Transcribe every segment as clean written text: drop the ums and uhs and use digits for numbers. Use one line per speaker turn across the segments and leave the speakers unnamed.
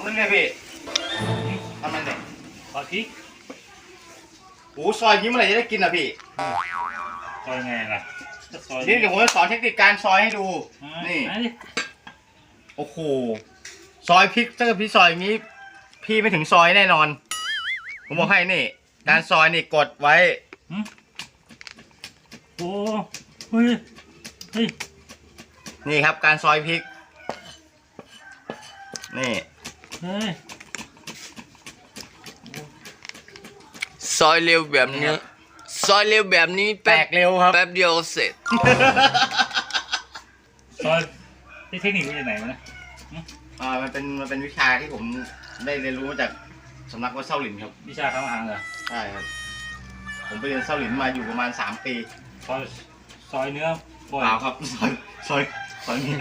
นั่นไงพี่ทำมันเนี่ย
ซอยพริก
โอ้ซอยนี้เมื่อไหร่จะได้กินอ่ะพี่
ซอยไงล่ะซอย
นี่เดี๋ยวผมจะสอนเทคนิคการซอยให้ดูนี่โอ้โหซอยพริกถ้าเกิดพี่ซอยอย่างนี้พี่ไม่ถึงซอยแน่นอนผมบอกให้นี่การซอยนี่กดไว้
โอ้เฮ้ย
นี่ครับการซอยพริกนี่
ซอยเร็วแบบนี้ซอยเร็วแบบนี้
แตกเร็วครับ
แป๊บเดียวเสร็จ
ซอยเทคนิคมาจากไหนวะเนี่ย
มันเป็นวิชาที่ผมได้เรียนรู้มาจากสำนักวัดเซาหลินครับ
วิชาทำอาหารเหรอ
ใช่ครับผมไปเรียนเซาหลินมาอยู่ประมาณ3 ปี
ซอยเนื้อ
เปล่าครับซอยเนื้อ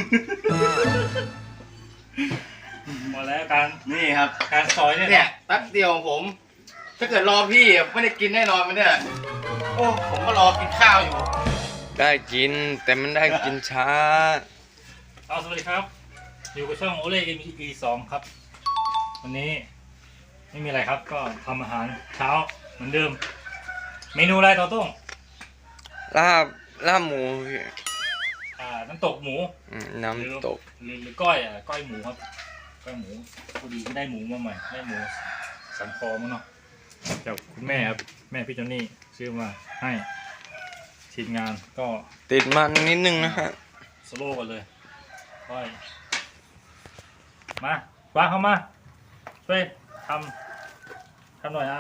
หมดแล้วการ
นี่ครับ
การซอย
เนี่ยแป๊บเดียวผมถ้าเกิดรอพี่ไม่ได้กินแน่นอนมันเนี่ยโอ้ผมก็รอกินข้าวอยู่
ได้กินแต่มันได้กินช้า
สวัสดีครับอยู่กับช่องโอเล่ EP2 ครับวันนี้ไม่มีอะไรครับก็ทำอาหารเช้าเหมือนเดิมเมนูอะไรต่อต้ง
ลาบหมู
น้ำตกหมู
น้ำตก
หรือก้อยหมูครับก้อยหมูพอดีก็ได้หมูมาใหม่ได้หมูสันคอมั้งเนาะจากคุณแม่ครับแม่พี่จอนนี่ซื้อมาให้ทีมงานก็
ติดมันนิดนึงนะฮะ
สโลว์กันเลยก้อยมาวางเข้ามาช่วยทำหน่อย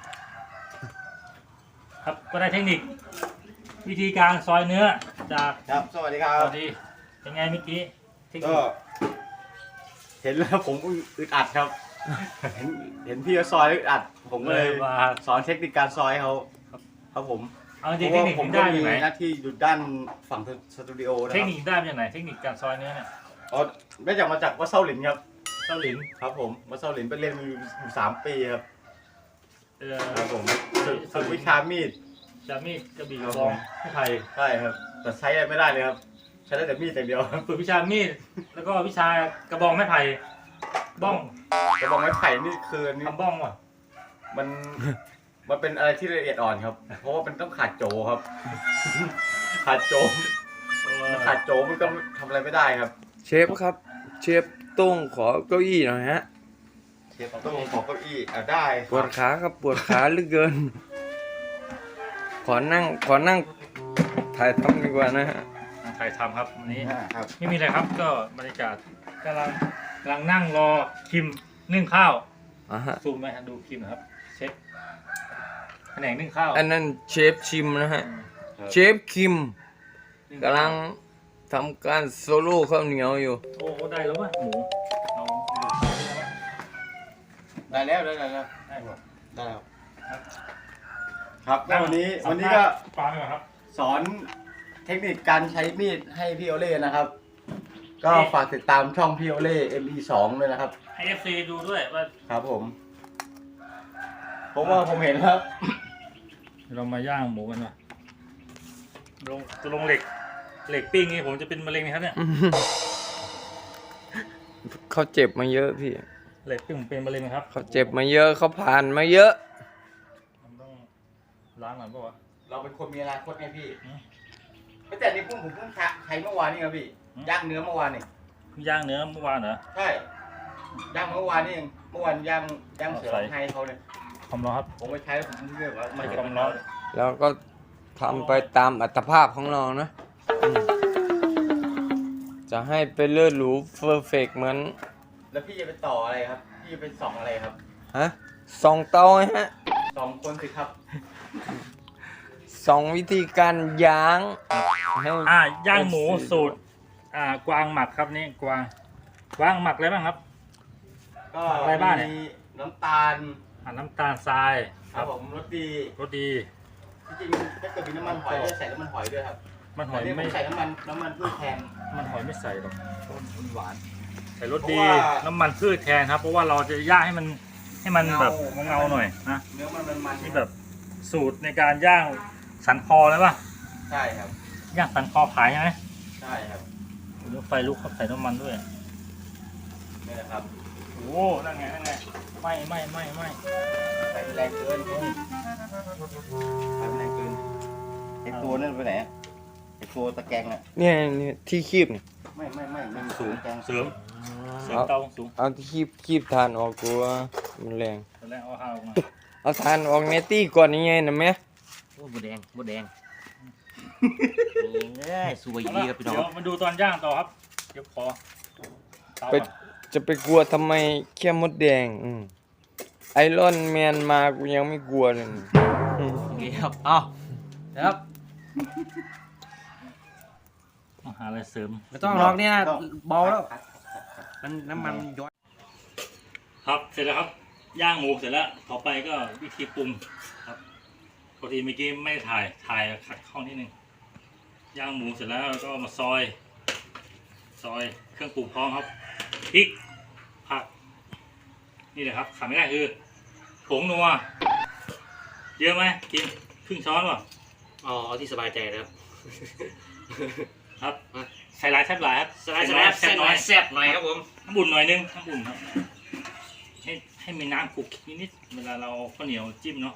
ครับก็ได้เทคนิควิธีการซอยเนื้อจาก
ครับสวัสดีครับ
สวัสดีเป็นไงเมื่อกี้
ก็เห็นแล้วผมอึดอัดครับเห็นพี่เขาซอยอึดอัดผมก็เลยสอนเทคนิคการซอยเขาครับผม
เอาจริงเทคนิคได้
มี
ไหม
หน้าที่อยู่ด้านฝั่งสตูดิโอนะครับ
เทคนิคได้มาจากไหนเทคนิคการซอยเนื้อเนี่ย
ได้จากมาจากวัดเซาหลินครับ
เซาหลิน
ครับผมวัดเซาหลินไปเรียนอยู่3 ปีครับครับผมฝึกวิชามีด
กระบี่กระบองไทย
ใช่ครับแต่ใช้ไม่ได้เลยครับใช้ได้แต่มีดอย่างเดียว
ฝึกวิชามีดแล้วก็วิชากระบองไม้ไผ่บ้อง
กระบองไม้ไผ่นี่คือ
ทำบ้องว่ะ
มันเป็นอะไรที่ละเอียดอ่อนครับเพราะว่ามันต้องขาดโจครับขาดโจมันก็ทำอะไรไม่ได้ครับ
เชฟครับเชฟต้งขอเก้าอี้หน่อยฮะ
เชฟต้งขอเก้าอี้ได้
ปวดขาครับปวดขาเหลือเกินขอนั่งถ่ายทำดีกว่านะฮะ
ถ่ายทำครับวันนี้ไม่มีอะไรครับก็บรรยากาศกำลังนั่งรอคิมนึ่งข้าวซูมไหมดูคิมครับเชฟแผนกนึ่งข้าว
อันนั้นเชฟชิมนะฮะเชฟคิมกำลังทำการโซโล่ข้าวเหนียวอยู่
โอ้ได้แล้ววะหมู
ได้แล้วได้แล้วครับวันนี้ก็สอนเทคนิคการใช้มีดให้พี่โอเล่นะครับก็ฝากติดตามช่องพี่โอเล่ ME2 ด้วยนะครับ
ให้ FC ดูด้วยว่า
ครับผมว่าผมเห็นครับ
เรามาย่างหมูกันว่ะลงเหล็กปิ้งนี่ผมจะเป็นมะเร็งไหมครับเนี่ย
เขาเจ็บมาเยอะพี่
เหล็กปิ้งผมเป็นมะเร็งไหมครับ
เขาเจ็บมาเยอะเขาผ่านมาเยอะ
ต้องล้างหน่อยป่ะวะ
เราเป็นคนมีอนาคตไงพี่ไม่แต่นี่ผมเพิ่งใช้เมื่อวานนี่ครับพี่ย่างเนื้อเมื่อวานนี่
ย่างเนื้อเมื่อวานเหรอ
ใช่ย่างเมื่อวานนี่เองเมื่อวานย่างเสือไทยเขาเลย
ความร้อนครับ
ผมไปใช้ผมเลือกว่า
ไม่ความร้อน
แล้วก็ทำไปตามอัตภาพของเรานะจะให้ไปเลิศหรูเพอร์เฟกต์เหมือน
แล้วพี่จะไปต่ออะไรครับพี่จะไปส่องอะไรครับ
ส่องเตาฮะ
2 คนสิครับ
2 วิธีการย่าง
ย่างหมูสูตรกวางหมักครับนี่กวางหมักอะไรบ้างครับ
ก็อะไรบ้างเนี่ยน้ำตาล
ทราย
ครับผมรสดีจริงๆถ้าเกิดมีน้ำมันหอยจะใส่น้ำมันหอยด้วยครับ
มันหอยไม่
ใส่น้ำมันพืชแทน
มันหอยไม่ใส่หรอกมันหวานใส่รสดีน้ำมันพืชแทนครับเพราะว่าเราจะย่างให้มันแบบเงาหน่อยนะ
เนื้อมัน
นี่แบบสูตรในการย่างสันคอเลยป่ะ
ใช่ครับ
ย่างสันคอขายใช่ไหม
ใช่ครับ
ไฟลุกครับใส่น้ำมันด้วย
นี่แหละครับ
โอ้นั่นไงไม่
ไฟแรงเกินไฟแรงเกินไอ้ตัวนั่นไปไหนไอ้ตัวตะแกรงอ่ะ
เนี่ยที่คีบนี่
ไม่มันสูงแกง
เสริมเตาสูง
เอาที่คีบทานออกกลัวมันแรง
ตอนแรกเอาข้าวออกมา
เอาทานออกเนตี้ก่อนยังไงนะแม่
โอ้หมดแดงนี่สวยดีครับพี่น้อง
เดี๋ยวมาดูตอนย่างต่อครับเดี๋ยวขอเตา
ไป
ก่อน
จะไปกลัวทำไมแค่มดแดงไอรอนแมนมากูยังไม่กลัวเลย
โอเคครับเอาครับ
ต้องหาอะไรเสริม
ไม่ต้องหรอกเนี่ยเบาแล้วมันน้ำมันย้อย
ครับเสร็จแล้วครับย่างหมูเสร็จแล้วต่อไปก็วิธีปรุงครับปกติเมื่อกี้ไม่ได้ถ่ายขัดข้องนิดนึงย่างหมูเสร็จแล้วก็มาซอยเครื่องปรุงพร้อมครับพริกผักนี่เลยครับขาดไม่ได้คือผงนัวเยอะไหมกินครึ่งช้อนป่ะ
อ๋อเอาที่สบายใจนะครับ
ครับใส่หลายแซ่บหลายครับ
แซ่บหน่อยครับผม
น้ำอุ่นหน่อยนึงน้ำอุ่นครับให้มีน้ำคลุกนิดๆเวลาเราข้าวเหนียวจิ้มเนาะ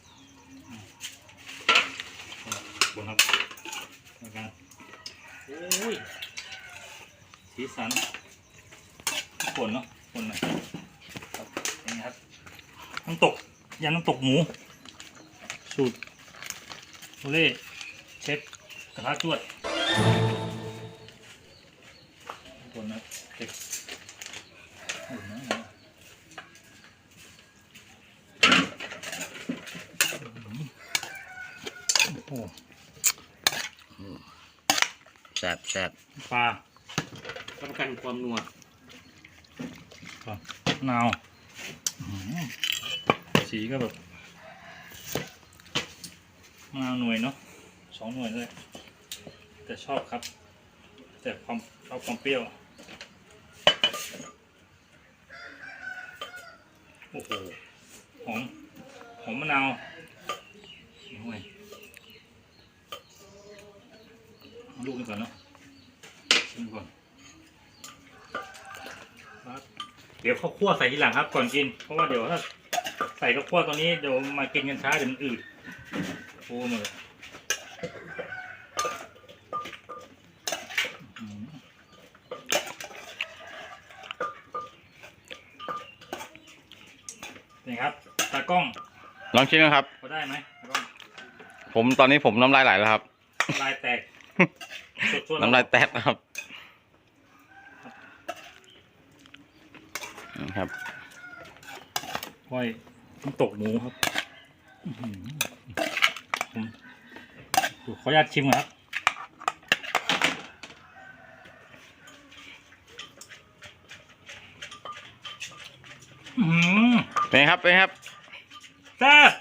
บนครับแล้วกันโอ้ยสีสันฝนเนาะฝนหน่อยครับเป็นไงครับน้ำตกยำน้ำตกหมูสูตรโอเล่เชฟกระทะจวดฝนนะเด็กอุ่นนะโอ้
แซ่บ
ปลา
รับประกันความนัว
มะนาวสีก็แบบมะนาวหน่วยเนาะ2 หน่วยเลยแต่ชอบครับ แต่ชอบความเปรี้ยวโอ้โหหอมมะนาวหน่วยเอาลูกนี้ก่อนเนาะชิมก่อนเดี๋ยวข้าวคั่วใส่ทีหลังครับก่อนกินเพราะว่าเดี๋ยวถ้าใส่ข้าวคั่วตอนนี้เดี๋ยวมากินกันช้าเดี๋ยวมันอืดโอ้หมดเลยนี่ครับตากล้อง
ลองชิมนะครับ
พอได้ไหมตากล้อง
ตอนนี้ผมน้ำลายไหลแล้วครับ
ลายแตกสดๆ
น้ำลายแตกนะครับครับ
ห้อยน้ำตกหมูครับผมขออนุญาตชิมก่อนครับ
เป็นไงครับ
แซ่บ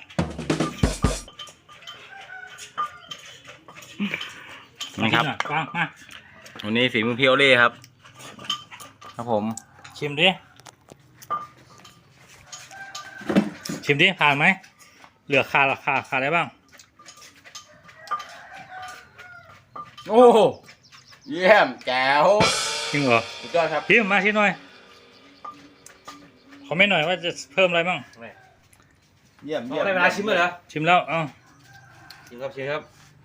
นะครับ
ฟังมา
วันนี้ฝีมือพี่โอเล่ครับครับผม
ชิมดิผ่านไหมเหลือขาดอะไรบ้าง
โอ้เยี่ยมแจ๋ว
จริงเหรอ
สุดยอดครับ
ชิมมาชิมหน่อยคอมเมนต์หน่อยว่าจะเพิ่มอะไรบ้าง
เยี่ยม
ได้เวลาชิมเลยเหรอ
ชิมแล้วเอ้า
ชิมครับ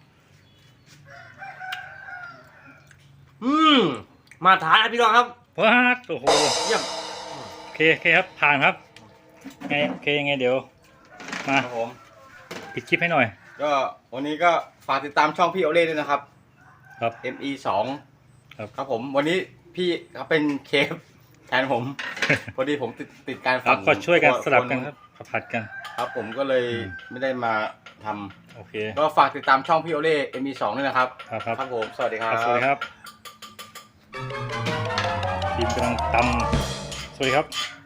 มาทานพี่น้องครับ
ว้าโอ้โห
เยี่ยม
โอเคครับผ่านครับไงโอเคยังไงเดี๋ยวมา
ครับผม
ปิดคลิปให้หน่อย
ก็วันนี้ก็ฝากติดตามช่องพี่โอเล่ด้วยนะครับ
ครับ
ME2
ครับ
ผมวันนี้พี่เขาเป็นเคฟแทนผม พอดีผมติดการ
ครั
ฝั
บ
ง
ก็ช่วยกันสลับกันครับผัดกัน
ครับผมก็เลยไม่ได้มาทำ
โอเค
ก็ฝากติดตามช่องพี่โอเล่ ME2 ด้วยนะครับ
ครับ
ครับผมสวัสดีครับ
สวัสดีครับทีมกำลังตำสวัสดีครับ